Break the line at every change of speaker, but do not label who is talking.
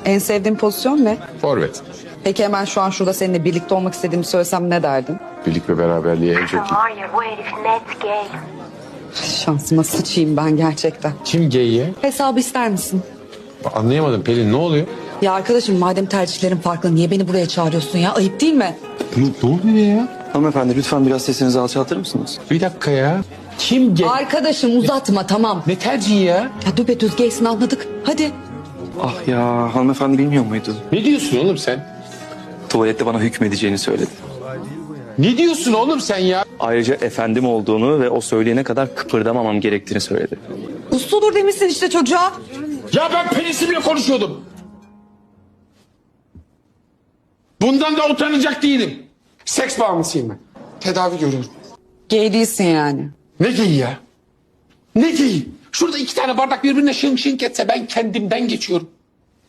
En sevdiğin pozisyon ne?
Forvet.
Peki hemen şu an şurada seninle birlikte olmak istediğimi söylesem ne derdin?
Birlik ve beraberliği en çok iyi.
Var ya bu herif net gay.
Şansıma sıçayım ben gerçekten.
Kim gay'ye?
Hesabı ister misin?
Anlayamadım Pelin, ne oluyor?
Ya arkadaşım madem tercihlerin farklı niye beni buraya çağırıyorsun ya? Ayıp değil mi?
Ne oluyor ya?
Hanımefendi lütfen biraz sesinizi alçaltır mısınız?
Bir dakika ya. Kim gay?
Arkadaşım uzatma tamam.
Ne tercihi ya?
Ya düpedüz gaysin anladık. Hadi.
Ah ya hanımefendi bilmiyor muydu?
Ne diyorsun oğlum sen?
Tuvalette bana hükmedeceğini söyledi.
Ne diyorsun oğlum sen ya?
Ayrıca efendim olduğunu ve o söyleyene kadar kıpırdamamam gerektiğini söyledi.
Uslu dur demişsin işte çocuğa.
Ya ben Pelin'le konuşuyordum. Bundan da utanacak değilim. Seks bağımlısıyım ben. Tedavi görüyorum.
Gay değilsin yani.
Ne geyi ya? Ne geyi? Şurada 2 tane bardak birbirine şınk şınk etse ben kendimden geçiyorum.